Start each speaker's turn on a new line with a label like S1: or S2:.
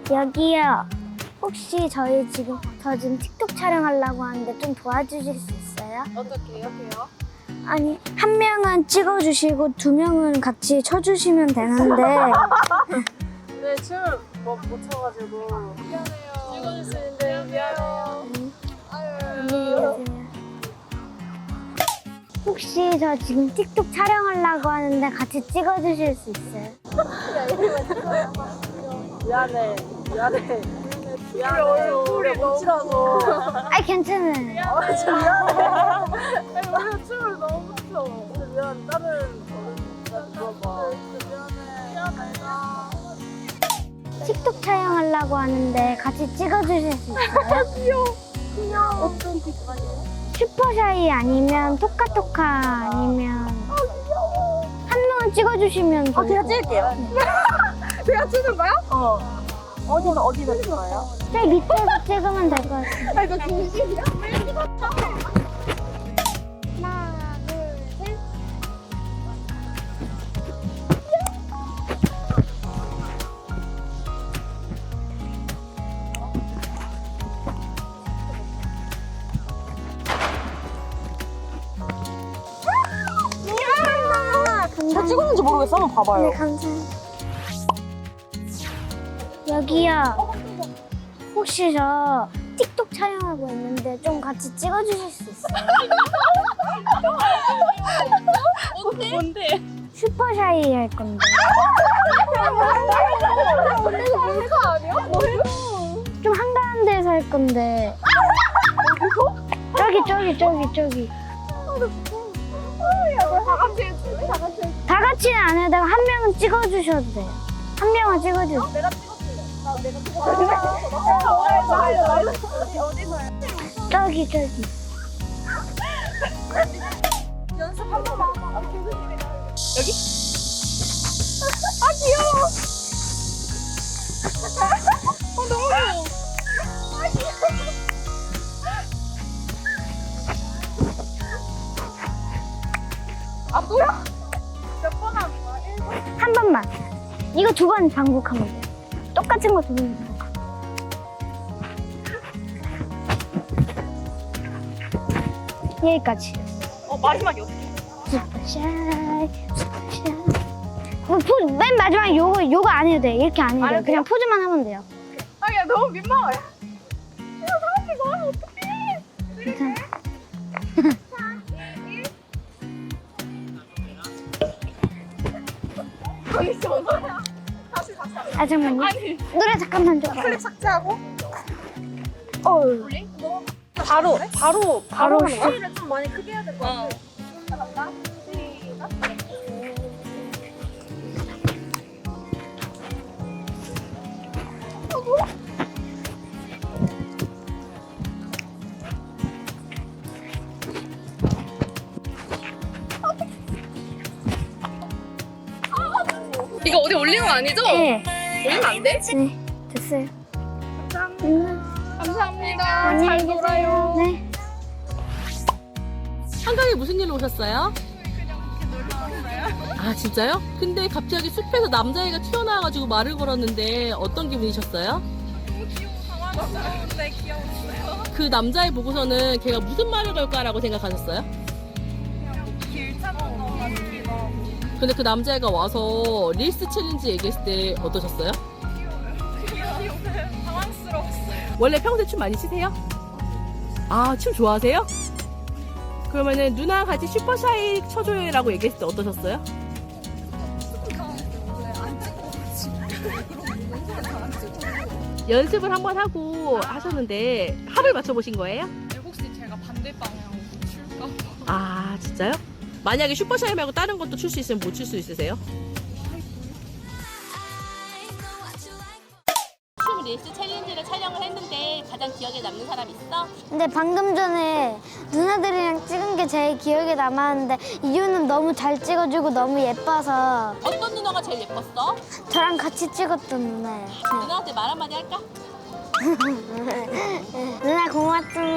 S1: 여기요. 혹시 저 지금 틱톡 촬영하려고 하는데 좀 도와주실 수 있어요?
S2: 어떻게 해요?
S1: 아니, 한 명은 찍어주시고 두 명은 같이 쳐주시면 되는데
S2: 네, 춤을 못 춰가지고 미안해요. 찍어줄 수 있는데 미안해요.
S1: 안녕히 계세요. 혹시 저 지금 틱톡 촬영하려고 하는데 같이 찍어주실 수 있어요?
S2: 미안해. 얼굴이 뭉치라서.
S1: 아, 괜찮아요.
S2: 진짜 미안해. 아니, 원래 춤을 너무 못 춰. 근데 미안, 다른 어른한테 물어봐. 미안해.
S1: 틱톡 촬영하려고 하는데 같이 찍어주실 수 있어요?
S2: 귀여워. 어떤 뒷판이에요?
S1: 슈퍼샤이 아니면 토카토카 아니면 한 명은 찍어주시면 좋을
S2: 제가
S1: 것
S2: 찍을게요. 제가 찍는 거야? 어디서 찍을 거예요?
S1: 저기 밑에서 찍으면 될 것 같아요.
S2: 아, 이거 진심이야?
S1: 하나, 둘, 셋.
S2: 저 찍었는지 모르겠어. 한번 봐봐요.
S1: 네, 감사합니다. 여기요. 혹시 저 틱톡 촬영하고 있는데 좀 같이 찍어주실 수 있어요?
S2: 뭔데?
S1: 슈퍼샤이 할 건데.
S2: 이거 몰카 아니야? 뭐예요?
S1: 좀 한가한데서 할 건데. 저기. 다 같이는 안 해도 한 명은 찍어주셔도 돼요. 한 명은 찍어주세요.
S2: 내가 찍었을래. 내가 찍었을래. 어디서요?
S1: 저기.
S2: 연습 한 번만. 여기? 아, 귀여워. 너무 귀여워. 아, 귀여워. 아, 또야? 몇 번 하는 거야? 1번?
S1: 한 번만. 이거 두 번 반복하면 돼요. 똑같은 거 두 번 반복. 여기까지.
S2: 마지막이 어떻게?
S1: 슈퍼샤이. 맨 마지막에 요거 안 해도 돼. 이렇게 안 해도
S2: 안
S1: 돼요.
S2: 해도
S1: 그냥 포즈만 하면 돼요.
S2: 아, 야, 너무 민망해. 야, 사람들 너무 어떡해.
S1: 괜찮아.
S2: 다시.
S1: 아, 잠깐만요.
S2: 아니.
S1: 노래 잠깐만 좀.
S2: 클립 삭제하고.
S1: 올리?
S2: 바로
S1: 바로
S2: 하는
S1: 시작.
S2: 거야? 소리를 좀 많이 크게 해야 될 것 같아. 시작. 이거 어디 올리는 거 아니죠?
S1: 네.
S2: 올리면 안 돼?
S1: 네. 됐어요.
S2: 감사합니다.
S1: 안녕히
S2: 잘
S1: 계세요.
S2: 놀아요.
S1: 네.
S3: 한강에 무슨 일로 오셨어요? 아 진짜요? 근데 갑자기 숲에서 남자애가 튀어나와가지고 말을 걸었는데 어떤 기분이셨어요?
S2: 네, 귀여웠어요.
S3: 그 남자애 보고서는 걔가 무슨 말을 걸까라고 생각하셨어요?
S2: 길 찾는 거 같기도 하고.
S3: 근데 그 남자애가 와서 릴스 챌린지 얘기했을 때 어떠셨어요?
S2: 당황스러웠어요.
S3: 원래 평소에 춤 많이 추세요? 아 춤 좋아하세요? 그러면은 누나 같이 슈퍼샤이 쳐줘요라고 얘기했을 때 어떠셨어요? 연습을 한번 하고 하셨는데 합을 맞춰보신 거예요?
S2: 혹시 제가 반대 방향으로 출까 봐.
S3: 아 진짜요? 만약에 슈퍼샤이 말고 다른 것도 출 수 있으면 못 출 수 있으세요? 춤 릴스 챌린지를 촬영을 했는데 가장 기억에 남는 사람 있어?
S1: 근데 방금 전에 누나들이랑 찍은 게 제일 기억에 남았는데 이유는 너무 잘 찍어주고 너무 예뻐서
S3: 어떤 누나가 제일 예뻤어?
S1: 저랑 같이 찍었던 누나예요.
S3: 누나한테 말 한마디 할까?
S1: 누나 고맙습니다.